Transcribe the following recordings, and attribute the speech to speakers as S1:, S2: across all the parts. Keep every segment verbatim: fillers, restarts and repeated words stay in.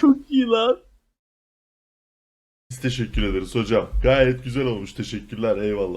S1: Çok iyi lan.
S2: Biz teşekkür ederiz hocam. Gayet güzel olmuş. Teşekkürler. Eyvallah.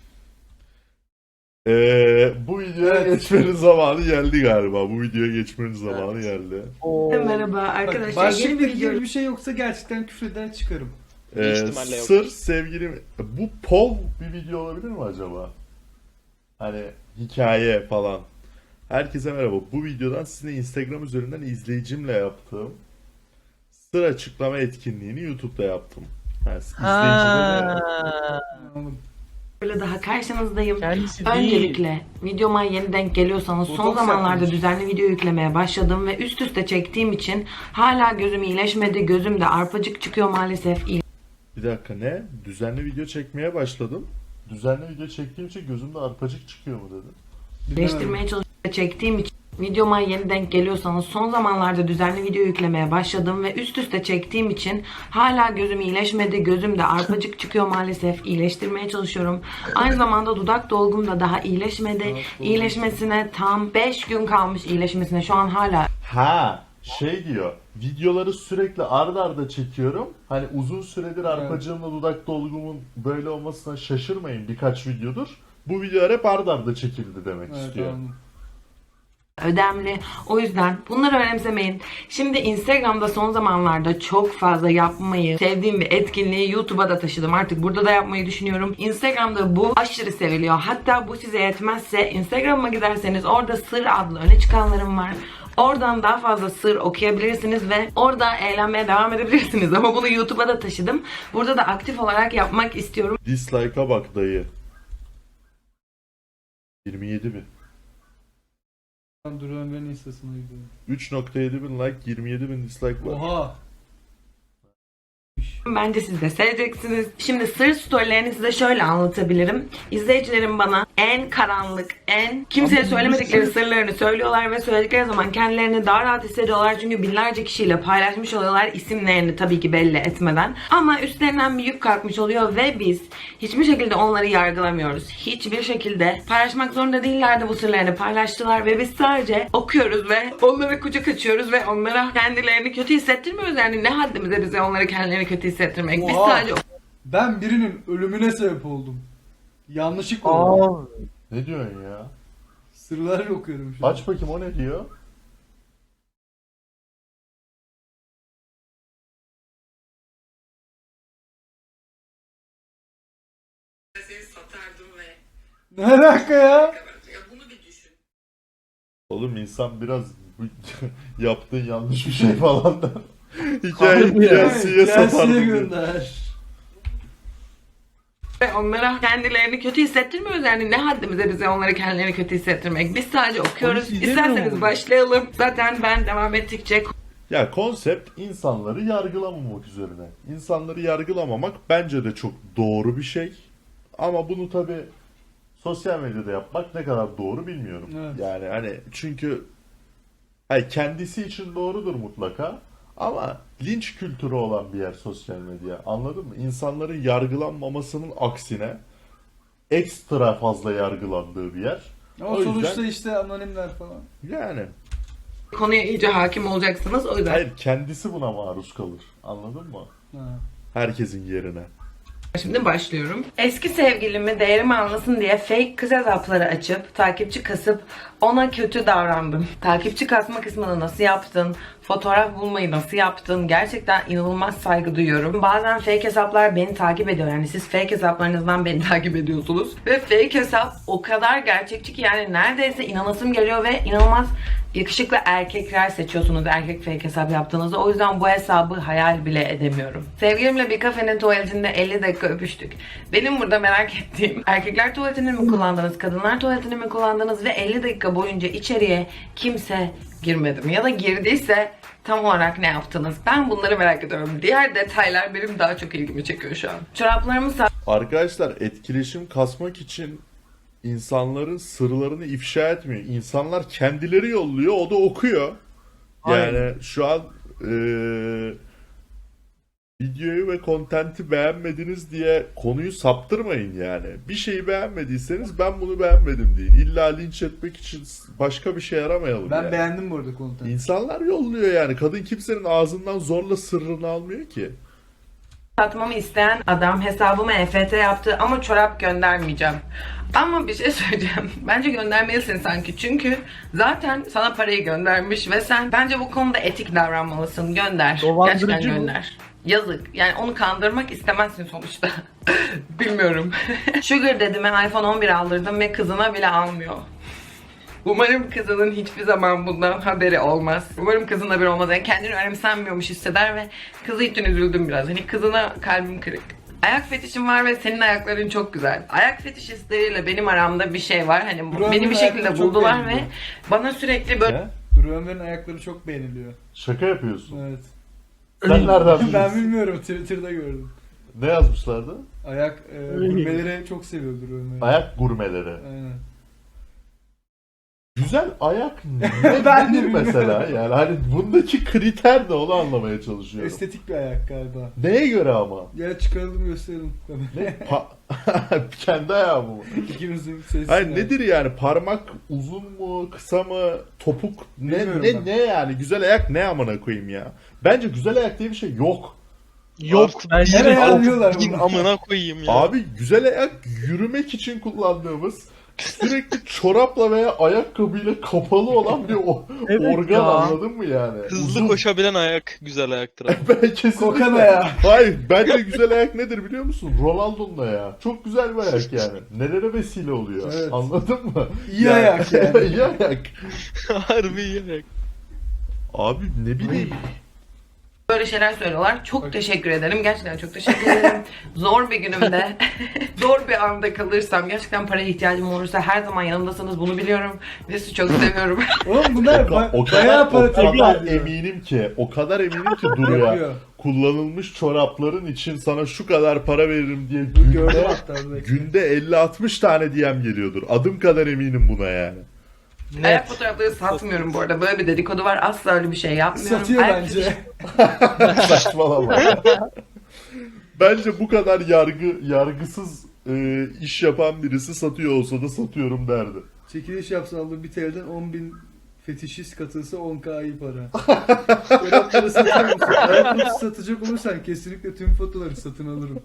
S2: Ee, bu videoya
S3: Evet.
S2: geçmenin zamanı geldi galiba. Bu videoya geçmenin zamanı
S3: Evet.
S2: geldi.
S1: Oo.
S4: Merhaba
S3: Bak,
S4: arkadaşlar. Yeni
S3: başlıkta
S4: bir video.
S3: gibi bir şey yoksa gerçekten küfreden çıkarım.
S2: Ee,
S1: ihtimalle yok.
S2: sır sevgilim... Bu pov bir video olabilir mi acaba? Hani hikaye falan. Herkese merhaba. Bu videodan sizinle Instagram üzerinden izleyicimle yaptığım sır açıklama etkinliğini YouTube'da yaptım. Yani izleyicilerle...
S1: Ha.
S3: Anladım.
S4: Böyle daha karşınızdayım.
S1: Kendisi değil.
S4: Öncelikle videoma yeni denk geliyorsanız son
S3: Botoks
S4: zamanlarda
S3: yapmış.
S4: düzenli video yüklemeye başladım ve üst üste çektiğim için hala gözüm iyileşmedi. Gözümde arpacık çıkıyor maalesef.
S2: Bir dakika ne? Düzenli video çekmeye başladım. Düzenli video çektiğim için gözümde arpacık çıkıyor mu dedim.
S4: İyileştirmeye çalışıp çektiğim için videoma yeni denk geliyorsanız son zamanlarda düzenli video yüklemeye başladım ve üst üste çektiğim için hala gözüm iyileşmedi. Gözümde arpacık çıkıyor maalesef. İyileştirmeye çalışıyorum. Aynı zamanda dudak dolgum da daha iyileşmedi. İyileşmesine tam beş gün kalmış iyileşmesine. Şu an hala
S2: Ha, şey diyor. Videoları sürekli ard arda çekiyorum. Hani uzun süredir arpacığımla dudak dolgumun böyle olmasına şaşırmayın, birkaç videodur. Bu videolar hep ard arda çekildi demek
S3: Evet,
S2: istiyor.
S3: anladım.
S4: ödemli. O yüzden bunları önemsemeyin. Şimdi Instagram'da son zamanlarda çok fazla yapmayı sevdiğim bir etkinliği YouTube'a da taşıdım. Artık burada da yapmayı düşünüyorum. Instagram'da bu aşırı seviliyor. Hatta bu size yetmezse Instagram'a giderseniz orada Sır adlı öne çıkanlarım var. Oradan daha fazla sır okuyabilirsiniz ve orada eğlenmeye devam edebilirsiniz. Ama bunu YouTube'a da taşıdım. Burada da aktif olarak yapmak istiyorum.
S2: Dislike'a bak dayı. yirmi yedi bin.
S3: Ben Duru Ömer'in instasına gidiyorum.
S2: üç nokta yedi bin like, yirmi yedi bin dislike var.
S3: Oha!
S4: Bence siz de seveceksiniz. Şimdi sır storylerini size şöyle anlatabilirim. İzleyicilerim bana en karanlık, en kimseye
S3: Ama
S4: söylemedikleri
S3: sır-
S4: sırlarını söylüyorlar ve söyledikleri zaman kendilerini daha rahat hissediyorlar. Çünkü binlerce kişiyle paylaşmış oluyorlar isimlerini tabii ki belli etmeden. Ama üstlerinden bir yük kalkmış oluyor ve biz hiçbir şekilde onları yargılamıyoruz. Hiçbir şekilde paylaşmak zorunda değillerdi, bu sırlarını paylaştılar ve biz sadece okuyoruz ve onlara kucak açıyoruz ve onlara kendilerini kötü hissettirmiyoruz. Yani ne haddimize bize onları kendilerini kötü hissettirmek. Biz
S3: Oha!
S4: sadece
S3: Ben birinin ölümüne sebep oldum. Yanlışlıkla oldu.
S1: Aa.
S2: Ne diyorsun ya?
S3: Sırlar okuyorum şu an.
S2: Aç bakayım, o ne diyor?
S4: satardım ve
S3: Ne alaka ya?
S4: ya bunu bir düşün.
S2: Oğlum insan biraz bu- yaptığın yanlış bir şey falan da hikaye
S1: Harbi ya.
S2: hikayesiye
S3: Gelsiye
S2: satardım diyor.
S3: gönder.
S4: Ve onlara kendilerini kötü hissettirmiyoruz. Yani ne haddimize bize onları kendilerini kötü hissettirmek. Biz sadece okuyoruz.
S1: Onu izlemiyor
S4: İsterseniz
S1: mu?
S4: başlayalım. Zaten ben devam ettikçe
S2: Ya konsept insanları yargılamamak üzerine. İnsanları yargılamamak bence de çok doğru bir şey. Ama bunu tabi sosyal medyada yapmak ne kadar doğru bilmiyorum.
S3: Evet.
S2: Yani hani çünkü hani kendisi için doğrudur mutlaka. Ama linç kültürü olan bir yer sosyal medya. Anladın mı? İnsanların yargılanmamasının aksine ekstra fazla yargılandığı bir yer.
S3: Ama
S2: O yüzden-
S3: sonuçta işte anonimler falan.
S2: Yani
S4: konuya iyice hakim olacaksınız. O yüzden
S2: hayır, kendisi buna maruz kalır. Anladın mı?
S3: Ha.
S2: Herkesin yerine.
S4: şimdi başlıyorum. Eski sevgilimi değerimi anlasın diye fake kız hesapları açıp takipçi kasıp ona kötü davrandım. Takipçi kasma kısmını nasıl yaptın? Fotoğraf bulmayı nasıl yaptın? Gerçekten inanılmaz saygı duyuyorum. Bazen fake hesaplar beni takip ediyor. Yani siz fake hesaplarınızdan beni takip ediyorsunuz. Ve fake hesap o kadar gerçekçi ki yani neredeyse inanasım geliyor ve inanılmaz yakışıklı erkekler seçiyorsunuz erkek fake hesap yaptığınızda. O yüzden bu hesabı hayal bile edemiyorum. Sevgilimle bir kafenin tuvaletinde elli dakika öpüştük. Benim burada merak ettiğim, erkekler tuvaletini mi kullandınız, kadınlar tuvaletini mi kullandınız ve elli dakika boyunca içeriye kimse girmedi mi? Ya da girdiyse tam olarak ne yaptınız? Ben bunları merak ediyorum. Diğer detaylar benim daha çok ilgimi çekiyor şu an. Çoraplarımı
S2: Arkadaşlar, etkileşim kasmak için insanların sırlarını ifşa etmiyor. İnsanlar kendileri yolluyor, o da okuyor. Yani
S1: Aynen.
S2: şu an eee, Videoyu ve kontenti beğenmediniz diye konuyu saptırmayın yani. Bir şeyi beğenmediyseniz ben bunu beğenmedim deyin. İlla linç etmek için başka bir şey aramayalım
S3: Ben
S2: yani.
S3: beğendim bu arada kontenti.
S2: İnsanlar yolluyor yani. Kadın kimsenin ağzından zorla sırrını almıyor ki.
S4: satmamı isteyen adam hesabıma E F T yaptı ama çorap göndermeyeceğim. Ama bir şey söyleyeceğim. Bence göndermelisin sanki. Çünkü zaten sana parayı göndermiş ve sen bence bu konuda etik davranmalısın. Gönder.
S1: Dolandırıcı
S4: Gerçekten
S1: mı?
S4: gönder. Yazık. Yani onu kandırmak istemezsin sonuçta. Bilmiyorum. Sugar dedime iPhone on bir aldırdım ve kızına bile almıyor. Umarım kızının hiçbir zaman bundan haberi olmaz. Umarım kızın haberi olmaz. Yani kendini önemsenmiyormuş hisseder ve kızı için üzüldüm biraz. Hani kızına kalbim kırık. Ayak fetişim var ve senin ayakların çok güzel. Ayak fetişistleriyle benim aramda bir şey var. Hani
S3: Buranın
S4: beni bir şekilde
S3: ayakları çok
S4: buldular ve
S3: beğeniliyor.
S4: bana sürekli böyle
S2: Ne?
S3: Duru Ömer'in ayakları çok beğeniliyor.
S2: Şaka yapıyorsun.
S3: Evet.
S2: Sen nereden
S3: Ben
S2: biliyorsun?
S3: bilmiyorum, Twitter'da gördüm.
S2: Ne yazmışlardı?
S3: Ayak e, gurmeleri çok seviyor Duru Ömer.
S2: Ayak gurmeleri.
S3: Aynen.
S2: Güzel ayak
S3: Ben
S2: ne,
S3: de
S2: nedir
S3: bilmiyorum.
S2: mesela? Yani hani bundaki kriter de onu anlamaya çalışıyorum.
S3: Estetik bir ayak galiba.
S2: Neye göre ama?
S3: Gel çıkaralım gösterelim.
S2: Ne? Pa- Kendi ayağım mı?
S3: İkimizin sesi.
S2: Hayır nedir yani? Parmak uzun mu, kısa mı, topuk ne
S3: Bilmiyorum
S2: ne
S3: ben.
S2: ne yani? Güzel ayak ne amına koyayım ya? Bence güzel ayak diye bir şey yok.
S1: Yok ben
S3: Nereye
S1: şimdi
S3: alıyorlar
S5: Gidin
S3: bunu?
S5: amına koyayım ya.
S2: Abi güzel ayak yürümek için kullandığımız sürekli çorapla veya ayakkabıyla kapalı olan bir o-
S1: Evet
S2: organ
S1: ya.
S2: anladın mı yani?
S5: Hızlı
S2: Uzun.
S5: koşabilen ayak güzel ayaktır abi.
S2: Ben kesinlikle.
S3: Kokan ayağı.
S2: Hayır bence güzel ayak nedir biliyor musun? Ronaldo'nun ayağı. Çok güzel bir ayak yani. Nelere vesile oluyor.
S3: Evet.
S2: Anladın mı?
S3: İyi ayak yani.
S2: İyi ayak.
S5: Harbi iyi ayak.
S2: Abi ne bileyim.
S4: böyle şeyler söylüyorlar. Çok teşekkür ederim. Gerçekten çok teşekkür ederim. Zor bir günümde, zor bir anda kalırsam, gerçekten paraya ihtiyacım olursa her zaman yanımdasınız. Bunu biliyorum. Ve sizi çok seviyorum.
S3: Oğlum bunlar
S2: O,
S3: ba-
S2: o
S3: bayağı
S2: kadar,
S3: para
S2: o kadar
S3: teklif ediyor.
S2: eminim ki, o kadar eminim ki Duru'ya
S3: Yapıyor.
S2: kullanılmış çorapların için sana şu kadar para veririm diye
S3: Gördüm
S2: günde,
S3: hatta. belki.
S2: günde elli altmış tane D M geliyordur. Adım kadar eminim buna yani.
S4: Ayak
S1: net.
S4: fotoğrafları satmıyorum bu arada. Böyle bir dedikodu var. Asla öyle bir şey yapmıyorum.
S3: Satıyor
S4: Ayak
S3: bence.
S2: Saçmalama. Bence bu kadar yargı yargısız e, iş yapan birisi satıyor olsa da satıyorum derdi.
S3: Çekiliş yapsa aldığı bir T L'den on bin fetişist katılsa on K iyi para. Çorapları satıyor musun? Ayakkabı satacak olursan kesinlikle tüm fotoları satın alırım.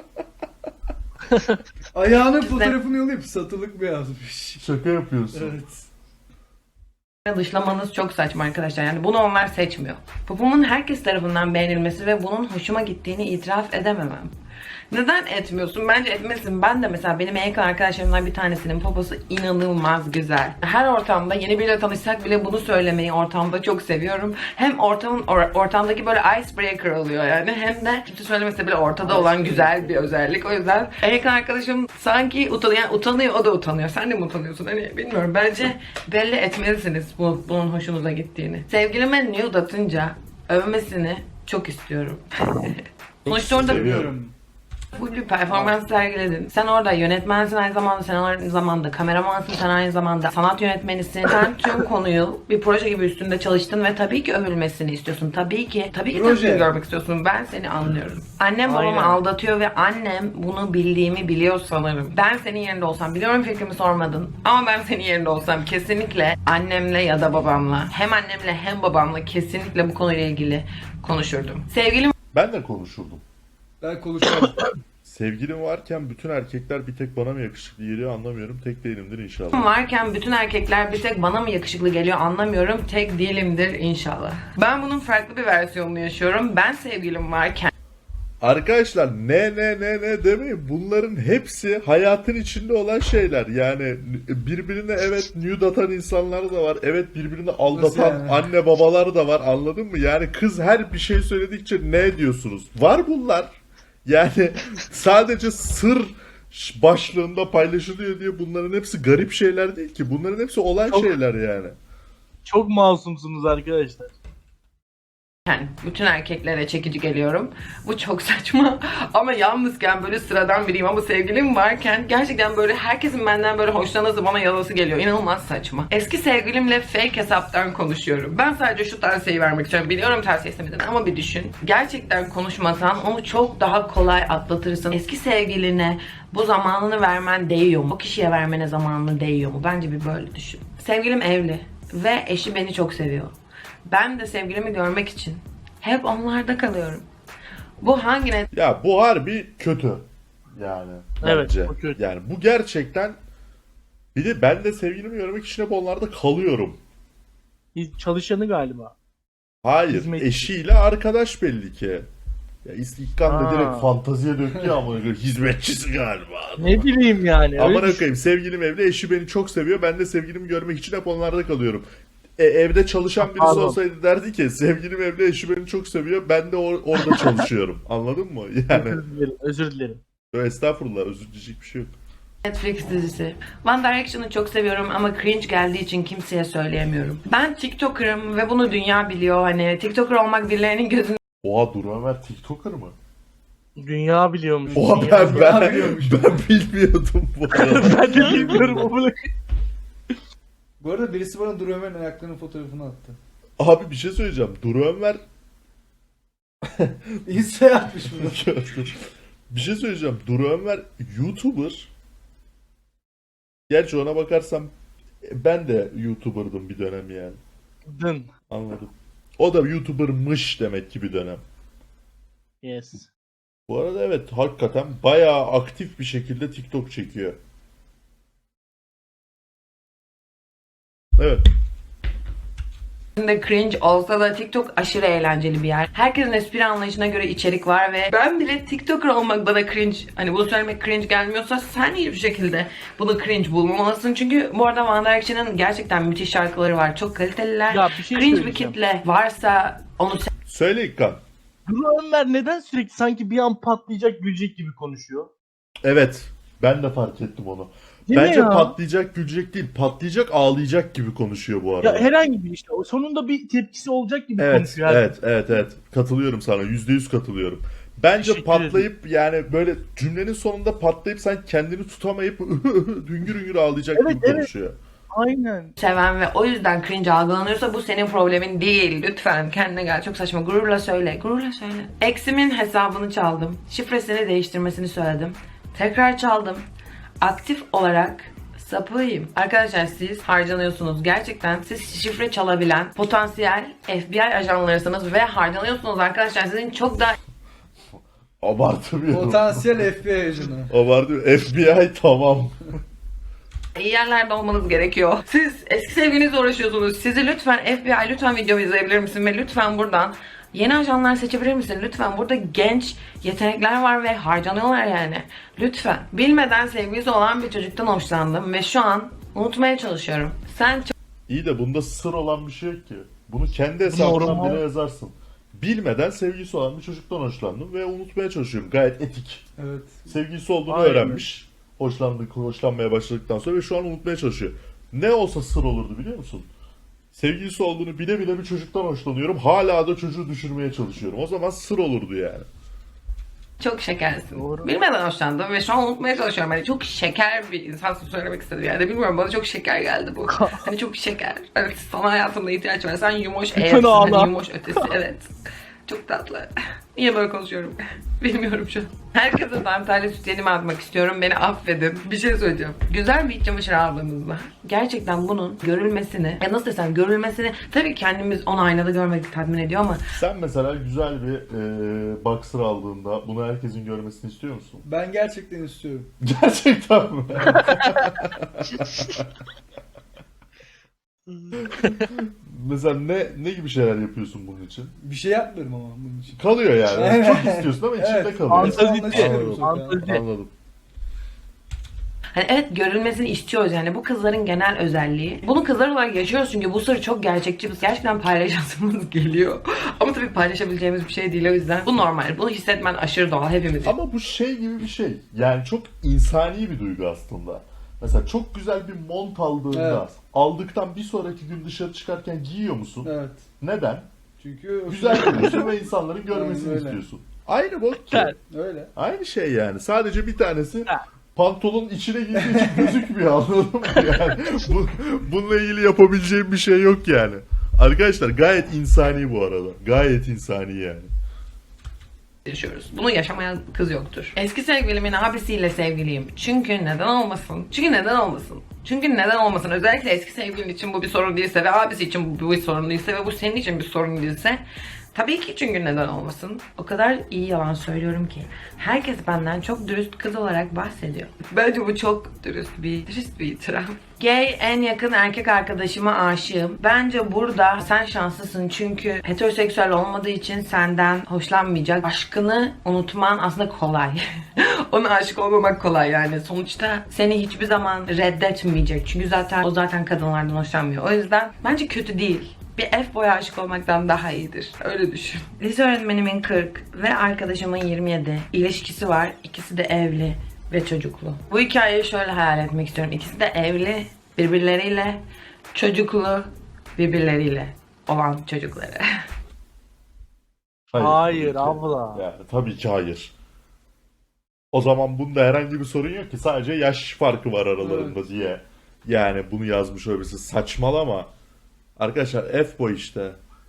S3: Ayağının fotoğrafını yollayıp satılık mı yazmış?
S2: Şaka yapıyorsun.
S3: Evet.
S4: Dışlamanız çok saçma arkadaşlar. Yani bunu onlar seçmiyor. Popomun herkes tarafından beğenilmesi ve bunun hoşuma gittiğini itiraf edememem. Neden etmiyorsun? Bence etmesin. Ben de mesela benim en yakın arkadaşlarımdan bir tanesinin poposu inanılmaz güzel. Her ortamda yeni biriyle tanışsak bile bunu söylemeyi ortamda çok seviyorum. Hem ortamın or- ortamdaki böyle icebreaker oluyor yani. Hem de kimse söylemese bile ortada olan güzel bir özellik. O yüzden en yakın arkadaşım sanki utanıyor. Yani utanıyor, o da utanıyor. Sen de mi utanıyorsun? Hani bilmiyorum. Bence belli etmelisiniz bu, bunun hoşunuza gittiğini. Sevgilime nude atınca övmesini çok istiyorum. Sonuçta orada
S2: Seviyorum.
S4: full bir performans sergiledin. Sen orada yönetmensin aynı zamanda, sen aynı zamanda kameramansın, sen aynı zamanda sanat yönetmenisin. Sen tüm konuyu bir proje gibi üstünde çalıştın ve tabii ki övülmesini istiyorsun. Tabii ki, tabii ki
S3: Proje.
S4: tepkini görmek istiyorsun. Ben seni anlıyorum. Annem babamı
S1: Aynen.
S4: aldatıyor ve annem bunu bildiğimi biliyor sanırım. Ben senin yerinde olsam, biliyorum fikrimi sormadın ama ben senin yerinde olsam kesinlikle annemle ya da babamla, hem annemle hem babamla kesinlikle bu konuyla ilgili konuşurdum. Sevgilim
S2: Ben de konuşurdum.
S3: Ben konuşamam.
S2: Sevgilim varken bütün erkekler bir tek bana mı yakışıklı geliyor anlamıyorum. Tek değilimdir inşallah.
S4: varken bütün erkekler bir tek bana mı yakışıklı geliyor anlamıyorum. Tek değilimdir inşallah. Ben bunun farklı bir versiyonunu yaşıyorum. Ben sevgilim varken
S2: Arkadaşlar ne ne ne ne demeyin. Bunların hepsi hayatın içinde olan şeyler. Yani birbirine evet nude atan insanlar da var. Evet birbirini aldatan
S3: yani?
S2: anne babalar da var. Anladın mı? Yani kız her bir şey söyledikçe ne diyorsunuz? Var bunlar. Yani sadece sır başlığında paylaşılıyor diye bunların hepsi garip şeyler değil ki. Bunların hepsi olan
S1: Çok-
S2: şeyler yani.
S1: Çok masumsunuz arkadaşlar.
S4: Yani bütün erkeklere çekici geliyorum. Bu çok saçma. Ama yalnızken böyle sıradan biriyim ama sevgilim varken gerçekten böyle herkesin benden böyle hoşlanası bana yazası geliyor. İnanılmaz saçma. Eski sevgilimle fake hesaptan konuşuyorum. Ben sadece şu tavsiyeyi vermek istiyorum. Biliyorum tavsiye istemedin ama bir düşün. Gerçekten konuşmasan onu çok daha kolay atlatırsın. Eski sevgiline bu zamanını vermen değiyor mu? O kişiye vermene zamanını değiyor mu? Bence bir böyle düşün. Sevgilim evli ve eşi beni çok seviyor. Ben de sevgilimi görmek için hep onlarda kalıyorum. Bu hangi net?
S2: Ya bu harbi kötü. Yani
S1: Evet,
S2: bence.
S1: bu kötü.
S2: Yani bu gerçekten, bir de ben de sevgilimi görmek için hep onlarda kalıyorum.
S1: Biz çalışanı galiba.
S2: Hayır,
S1: Hizmetçi.
S2: eşiyle arkadaş belli ki. Ya İlkan da
S1: Ha.
S2: direkt fantaziye döktü ya, amına koyayım, hizmetçisi galiba.
S1: Ne bileyim yani.
S2: Amına
S1: öyle düşün.
S2: koyayım, sevgilim evli, eşi beni çok seviyor. Ben de sevgilimi görmek için hep onlarda kalıyorum. E, evde çalışan birisi
S1: Pardon.
S2: olsaydı derdi ki sevgilim evli, eşi beni çok seviyor. Ben de or- orada çalışıyorum. Anladın mı? Yani
S1: Özür dilerim. Özür dilerim.
S2: estağfurullah, özür dileyecek bir şey yok.
S4: Netflix dizisi. One Direction'ı çok seviyorum ama cringe geldiği için kimseye söyleyemiyorum. Ben TikToker'ım ve bunu dünya biliyor. Hani TikToker olmak birilerinin gözünde
S2: Oha, Dur Ömer TikToker mı?
S1: Dünya biliyormuş.
S2: Oha,
S1: Dünya
S2: ben,
S1: biliyor.
S2: ben,
S3: biliyormuş.
S2: ben bilmiyordum bu arada.
S1: Ben de bilmiyorum ama.
S3: Bu arada birisi bana Duru Ömer'in ayaklarının fotoğrafını attı.
S2: Abi bir şey söyleyeceğim. Dur Ömer
S3: Insta'ya atmış bunu.
S2: bir şey söyleyeceğim. Dur Ömer YouTuber. Gerçi ona bakarsam ben de YouTuber'dım bir dönem yani.
S1: Dın.
S2: Anladım. O da YouTuber'mış demek ki bir dönem.
S1: Yes.
S2: Bu arada evet, hakikaten bayağı aktif bir şekilde TikTok çekiyor. Evet.
S4: cringe olsa da TikTok aşırı eğlenceli bir yer. Herkesin espri anlayışına göre içerik var ve ben bile TikToker olmak bana cringe, hani bunu söylemek cringe gelmiyorsa sen hiçbir şekilde bunu cringe bulmamalısın. Çünkü bu arada One Direction'ın gerçekten müthiş şarkıları var. Çok kaliteliler.
S1: Ya bir şey
S4: cringe bir
S1: söyleyeceğim.
S4: kitle varsa onu
S2: Söyle İlkan.
S1: Duru Ömer neden sürekli sanki bir an patlayacak gülecek gibi konuşuyor?
S2: Evet. Ben de fark ettim onu.
S1: Değil mi
S2: Bence
S1: ya?
S2: patlayacak, gülecek değil. Patlayacak, ağlayacak gibi konuşuyor bu arada.
S1: Ya herhangi bir işte. O sonunda bir tepkisi olacak gibi
S2: Evet,
S1: konuşuyor. her
S2: evet, evet, evet. Katılıyorum sana. Yüzde yüz katılıyorum. Bence
S1: Teşekkür
S2: patlayıp yani böyle cümlenin sonunda patlayıp sen kendini tutamayıp hüngür hüngür ağlayacak
S1: Evet,
S2: gibi
S1: evet.
S2: konuşuyor.
S1: Aynen.
S4: seven ve o yüzden cringe algılanıyorsa bu senin problemin değil. Lütfen kendine gel. Çok saçma. Gururla söyle. Gururla söyle. Eksimin hesabını çaldım. Şifresini değiştirmesini söyledim. Tekrar çaldım. Aktif olarak sapığıyım. Arkadaşlar siz harcanıyorsunuz. Gerçekten siz şifre çalabilen potansiyel F B I ajanlarısınız ve harcanıyorsunuz arkadaşlar. Sizin çok daha
S2: Abartmıyorum.
S3: Potansiyel F B I ajanı.
S2: Abartmıyorum. F B I tamam.
S4: iyi yerlerde olmanız gerekiyor. Siz eski sevgilinizle uğraşıyorsunuz. Sizi lütfen F B I lütfen videomu izleyebilir misin ve lütfen buradan yeni ajanlar seçebilir misin? Lütfen burada genç yetenekler var ve harcanıyorlar yani. Lütfen. Bilmeden sevgilisi olan bir çocuktan hoşlandım ve şu an unutmaya çalışıyorum. Sen çok
S2: İyi de bunda sır olan bir şey yok ki. Bunu kendi hesabından
S1: normal.
S2: bile yazarsın. Bilmeden sevgilisi olan bir çocuktan hoşlandım ve unutmaya çalışıyorum. Gayet etik.
S3: Evet.
S2: Sevgilisi olduğunu
S1: Aynen.
S2: öğrenmiş. Hoşlandık, hoşlanmaya başladıktan sonra ve şu an unutmaya çalışıyor. Ne olsa sır olurdu biliyor musun? Sevgilisi olduğunu bile bile bir çocuktan hoşlanıyorum. Hala da çocuğu düşürmeye çalışıyorum. O zaman sır olurdu yani.
S4: çok şekersin.
S1: Doğru.
S4: Bilmeden hoşlandım ve şu an unutmaya çalışıyorum. Hani çok şeker bir insansın söylemek istedim yani. Bilmiyorum bana çok şeker geldi bu. Hani çok şeker. Evet sana hayatımda ihtiyaç var. Sen yumuş
S1: Lütfen
S4: eğersin.
S1: ağla.
S4: Hani yumuş ötesi. Evet. Çok tatlı. Niye böyle konuşuyorum? Bilmiyorum şu an. Herkese dantelli sütyenimi atmak istiyorum. Beni affedin. Bir şey söyleyeceğim. Güzel bir iç çamaşır aldığımızda gerçekten bunun görülmesini, ya nasıl desem görülmesini, tabii kendimiz onu aynada görmek tatmin ediyor ama
S2: Sen mesela güzel bir e, boxer aldığında bunu herkesin görmesini istiyor musun?
S3: Ben gerçekten istiyorum.
S2: Gerçekten mi? Mesela ne ne gibi şeyler yapıyorsun bunun için?
S3: Bir şey yapmıyorum ama bunun için.
S2: Kalıyor yani.
S3: Evet.
S2: Çok istiyorsun ama içinde
S3: Evet.
S2: kalıyor.
S1: Fantezi
S3: Anlaşılıyor
S2: değil.
S3: bu sokağa.
S1: Fantezi.
S2: Anladım.
S4: hani evet görülmesini istiyoruz yani bu kızların genel özelliği. Bunu kızlar olarak yaşıyoruz çünkü bu sır çok gerçekçi. Biz gerçekten paylaşasımız geliyor. Ama tabii paylaşabileceğimiz bir şey değil o yüzden. Bu normal. Bunu hissetmen aşırı doğal hepimiz.
S2: Ama bu şey gibi bir şey. Yani çok insani bir duygu aslında. Mesela çok güzel bir mont aldığında
S3: Evet.
S2: aldıktan bir sonraki gün dışarı çıkarken giyiyor musun?
S3: Evet.
S2: Neden?
S3: Çünkü
S2: Güzel görüyorsun ve insanların görmesini
S3: Aynen öyle.
S2: istiyorsun. Aynı bok ki.
S1: Evet.
S3: Öyle.
S2: Aynı şey yani. Sadece bir tanesi
S1: Ha.
S2: pantolonun içine girdiği için gözükmüyor, anladın mı? Yani bu, bununla ilgili yapabileceğim bir şey yok yani. Arkadaşlar gayet insani bu arada. Gayet insani yani.
S4: yaşıyoruz. Bunu yaşamayan kız yoktur. Eski sevgilimin abisiyle sevgiliyim. Çünkü neden olmasın? Çünkü neden olmasın? Çünkü neden olmasın? Özellikle eski sevgilin için bu bir sorun değilse ve abisi için bu bir sorun değilse ve bu senin için bir sorun değilse tabii ki, çünkü neden olmasın? O kadar iyi yalan söylüyorum ki. Herkes benden çok dürüst kız olarak bahsediyor. Bence bu çok dürüst bir, dürüst bir itiraf. Gay en yakın erkek arkadaşıma aşığım. Bence burada sen şanslısın çünkü heteroseksüel olmadığı için senden hoşlanmayacak. Aşkını unutman aslında kolay. Ona aşık olmamak kolay yani. Sonuçta seni hiçbir zaman reddetmeyecek. Çünkü zaten o zaten kadınlardan hoşlanmıyor. O yüzden bence kötü değil. Bir F-boy'a aşık olmaktan daha iyidir. Öyle düşün. Lise öğretmenimin kırk ve arkadaşımın yirmi yedi. İlişkisi var. İkisi de evli ve çocuklu. Bu hikayeyi şöyle hayal etmek istiyorum. İkisi de evli, birbirleriyle, çocuklu, birbirleriyle olan çocukları.
S1: Hayır,
S2: tabii ki.
S1: abla.
S2: Yani tabii ki hayır. O zaman bunda herhangi bir sorun yok ki. Sadece yaş farkı var aralarında
S3: Evet.
S2: diye. Yani bunu yazmış olabilirsin. Saçmalama. Arkadaşlar F-boy işte.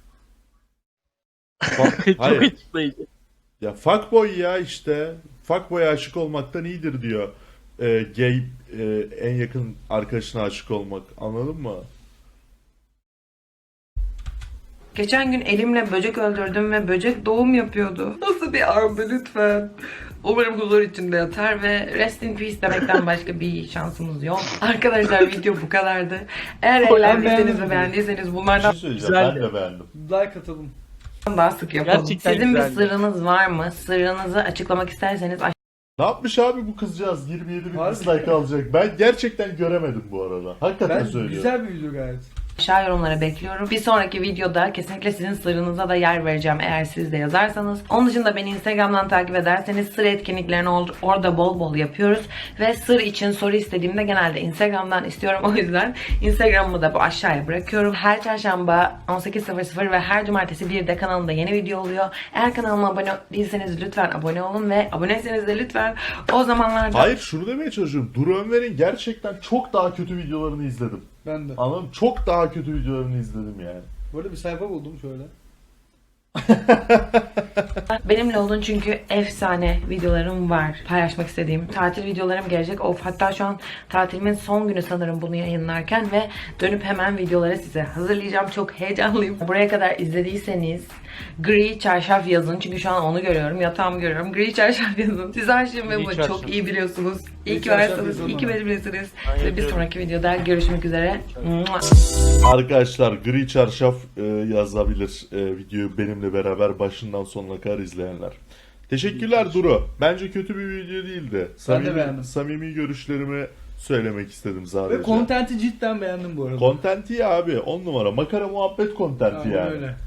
S2: Fa-
S1: Çok
S2: Hayır.
S1: açıklayıcı.
S2: Ya fuckboy ya işte. Fuckboy'a aşık olmaktan iyidir diyor. Ee, gay e, en yakın arkadaşına aşık olmak. Anladın mı?
S4: Geçen gün elimle böcek öldürdüm ve böcek doğum yapıyordu. Nasıl bir ardı lütfen. Umarım huzur içinde yatar ve rest in peace demekten başka bir şansımız yok. Arkadaşlar video bu kadardı. Eğer
S1: Ben
S4: eğlendiyseniz
S3: beğendim.
S4: ve beğendiyseniz
S2: Bir
S4: bunlardan
S2: şey söyleyeceğim. Ben
S1: Güzeldi.
S2: de beğendim.
S3: Like atalım.
S4: daha sık yapalım.
S1: Gerçekten
S4: Sizin bir
S1: güzeldi.
S4: sırrınız var mı? Sırrınızı açıklamak isterseniz
S2: Ne yapmış abi bu kızcağız? yirmi yedi bin
S3: Harbi.
S2: dislike alacak. Ben gerçekten göremedim bu arada. Hakikaten
S3: Ben
S2: söylüyorum.
S3: güzel bir video gayet.
S4: aşağı yorumlara bekliyorum. Bir sonraki videoda kesinlikle sizin sırrınıza da yer vereceğim eğer siz de yazarsanız. Onun dışında beni Instagram'dan takip ederseniz sır etkinliklerini or- orada bol bol yapıyoruz. Ve sır için soru istediğimde genelde Instagram'dan istiyorum. O yüzden Instagram'ımı da bu aşağıya bırakıyorum. Her çarşamba on sekiz sıfır sıfır ve her cumartesi birde kanalımda yeni video oluyor. Eğer kanalıma abone değilseniz lütfen abone olun ve aboneyseniz de lütfen o zamanlarda...
S2: Hayır, şunu demeye çalışıyorum. Duru Ömer'in gerçekten çok daha kötü videolarını izledim.
S3: Ben de.
S2: Anladın mı? Çok daha kötü videolarını izledim yani.
S3: Bu arada bir sayfa buldum şöyle.
S4: Benimle olun çünkü efsane videolarım var paylaşmak istediğim. Tatil videolarım gelecek. Of, hatta şu an tatilimin son günü sanırım bunu yayınlarken ve dönüp hemen videoları size hazırlayacağım. Çok heyecanlıyım. Buraya kadar izlediyseniz gri çarşaf yazın. Çünkü şu an onu görüyorum. Yatağımı görüyorum. Gri çarşaf yazın. Siz Ayşem ve
S1: Gri
S4: bunu
S1: çarşaf.
S4: çok iyi biliyorsunuz. İyi
S3: Gri
S4: ki
S3: çarşaf
S4: varsınız.
S3: yazın
S4: İyi ki
S3: bana.
S4: benimlesiniz.
S1: Ben
S4: Ve bir
S1: yazıyorum.
S4: sonraki videoda görüşmek üzere. Mua.
S2: Arkadaşlar gri çarşaf e, yazabilir e, videoyu benimle beraber başından sonuna kadar izleyenler. Teşekkürler Duru. Bence kötü bir video değildi. Samimi,
S3: beğendim.
S2: samimi görüşlerimi söylemek istedim sadece.
S3: Ve kontenti cidden beğendim bu arada.
S2: Kontenti iyi abi. On numara. Makara muhabbet kontenti
S3: Aynen
S2: yani.
S3: öyle.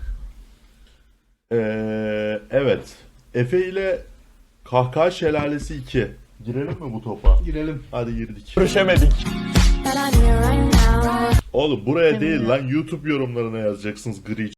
S2: Ee, evet. Efe ile Kahkaha Şelalesi iki. Girelim mi bu topa?
S3: Girelim.
S2: Hadi girdik.
S1: Görüşemedik.
S2: Oğlum buraya değil lan, YouTube yorumlarına yazacaksınız gri